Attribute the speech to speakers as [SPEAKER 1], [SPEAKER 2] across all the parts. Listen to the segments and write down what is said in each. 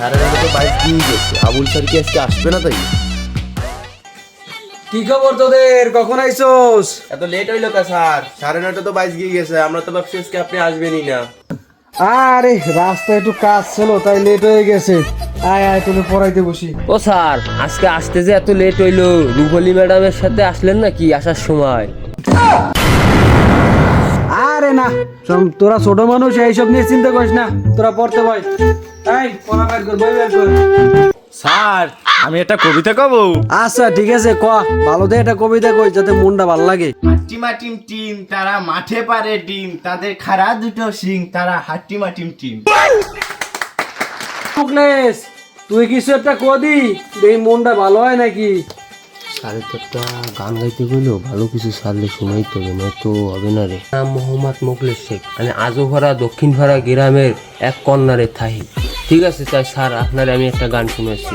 [SPEAKER 1] সাড়ে 9টা তো বাইক দিয়ে গেছে, আবুল স্যার কি আজকে আসবে না? তাই
[SPEAKER 2] কি খবর তোদের, কখন আইছোস?
[SPEAKER 1] এত লেট হইলো কা স্যার? 9:30 তো বাইক দিয়ে গেছে, আমরা তো ভাবছি আজকে আপনি আসবেনই না।
[SPEAKER 2] আরে রাস্তায় একটু কাজ ছিল তাই লেট হয়ে গেছে। আয় আয় তোকে পড়াইতে বসি।
[SPEAKER 3] ও স্যার, আজকে আসতে যে এত লেট হইলো, রুবলি ম্যাডামের সাথে আসলেন নাকি আসার সময়?
[SPEAKER 2] আরে না, তোরা ছোট মানুষ, এইসব নিয়ে চিন্তা করিস না, তোরা পড়তে বই। এই পড়া বের কর, বই বের কর।
[SPEAKER 4] স্যার আমি একটা কবিতা কব।
[SPEAKER 2] আচ্ছা ঠিক আছে, ক ভালো দে একটা কবিতা কই যাতে মনটা ভালো লাগে।
[SPEAKER 4] হাট্টিমা টিম টিম তারা মাঠে পারে ডিম, তাদের খাড়া দুটো শিং, তারা হাট্টিমা টিম টিম।
[SPEAKER 2] মুকলেশ, তুই কিছু একটা কদি, এই মনটা ভালো হয় নাকি?
[SPEAKER 3] স্যারের তো একটা গান গাইতে গেলেও ভালো কিছু সারলে শোনাইতে হবে, নয়তো হবে না রে। নাম মোহাম্মদ মোকলেশ শেখ, মানে আজোভরা দক্ষিণভরা গ্রামের এক কর্নারে থাহি। ঠিক আছে তাই স্যার, আপনার আমি একটা গান শুনেছি।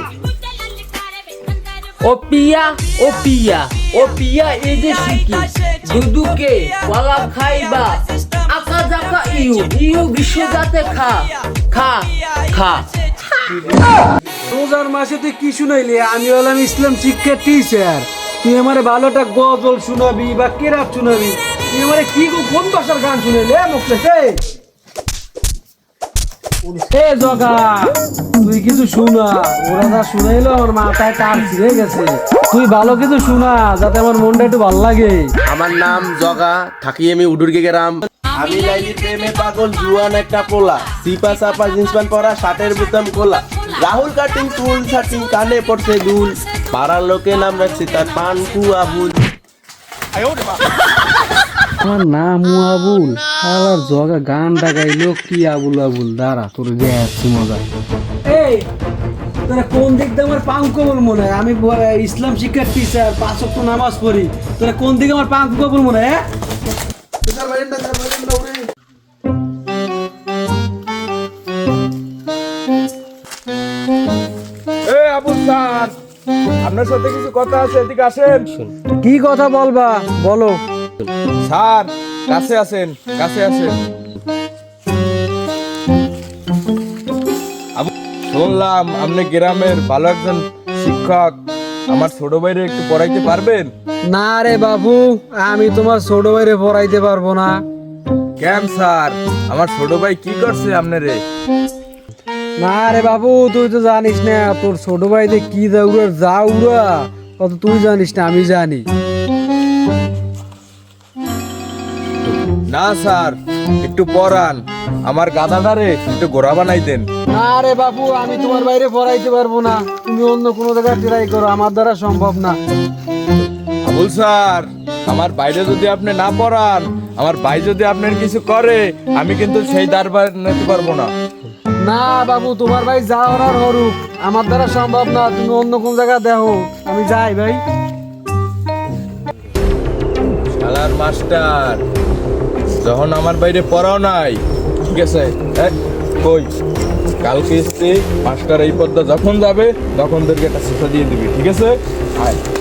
[SPEAKER 3] ও পিয়া ও পিয়া ও পিয়া, এই যে শিকি দুদুকে ওয়ালা খাইবা, আকা জাকা ইউ ইউ বিশ্ব যাতে খা খা খা।
[SPEAKER 2] রোজার মাসে তুই কি শুনাইলি? আমি হলাম ইসলাম শিক্ষা টিচার, তুই আমারে ভালোটা গজল শুনাবি বা কেরাত শুনাবি? তুই আমারে কি কোন ভাষার গান শুনাইলি? মুকলেশ এ জগা, তুই কিছু শোনা, ওরা যা শুনাইলো আমার মাথায় টান ছিঁড়ে গেছে। তুই ভালো কিছু শোনা যাতে আমার মনটা একটু ভালো লাগে।
[SPEAKER 1] আমার নাম জগা, থাকি আমি উডুরগে গ্রাম। আমি লাইলি প্রেমে পাগল, জুয়ান একটা পোলা, সিপা সাপা জিন্স প্যান্ট পরা, শার্টের বোতাম খোলা, রাহুল কাটিং চুল ছাটিং, কানে পড়ছে দুল, পাড়ার লোকে নাম রাখছে তার পান আবুল।
[SPEAKER 2] আমার নাম আবুল, শালার জগা গানটা গাইলো কি আবুল আবুল। দাঁড়া তোর দেখছি মজা। এই তোরা কোন দিক দিয়ে আমার পাঙ্ক কবুল মনে হয়? আমি ইসলাম শিক্ষার টিচার, 5 ওয়াক্ত নামাজ পড়ি, তোরা কোন দিকে আমার পাঙ্ক কবুল মনে হয়?
[SPEAKER 4] এই আবুল স্যার, আপনার সাথে কিছু কথা আছে, এদিকে আসেন।
[SPEAKER 2] কি কথা বলবা বলো।
[SPEAKER 4] স্যার কাছে আসেন, কাছে আসেন। শুনলাম আপনি গ্রামের ভালো একজন শিক্ষক, আমার ছোট ভাইরে একটু পড়াইতে পারবেন?
[SPEAKER 2] না রে বাবু, আমি তোমার ছোট ভাইরে পড়াইতে পারবো না।
[SPEAKER 4] কেন স্যার, আমার ছোট ভাই কি করছে আপনারে?
[SPEAKER 2] না রে বাবু, তুই তো জানিস না তোর ছোট ভাইদের কি যাউরা কত, তুই জানিস না আমি জানি।
[SPEAKER 4] না স্যার, একটু পড়ান, আমার গাধাটারে একটু গোড়া বানাই দেন।
[SPEAKER 2] না রে বাবু, আমি তোমার বাইরে পড়াইতে পারবো না, তুমি অন্য কোনো জায়গায় ট্রাই করো, আমার দ্বারা সম্ভব না।
[SPEAKER 4] আবুল স্যার, আমার বাইরে যদি আপনি না পড়ান, আমার ভাই যদি আপনার কিছু করে, আমি কিন্তু সেই দরবার নিতে পারবো না।
[SPEAKER 2] না বাবু, তোমার ভাই যা হরার হরুক, আমার দ্বারা সম্ভব না, তুমি অন্য কোন জায়গায় দেখো, আমি যাই ভাই।
[SPEAKER 4] শালার মাস্টার, যখন আমার বাইরে পড়াও নাই, ঠিক আছে, কই কালকে এসে মাস্টার এই পদ্মা যখন যাবে তখন তোকে একটা শিক্ষা দিয়ে দিবি, ঠিক আছে? আয়।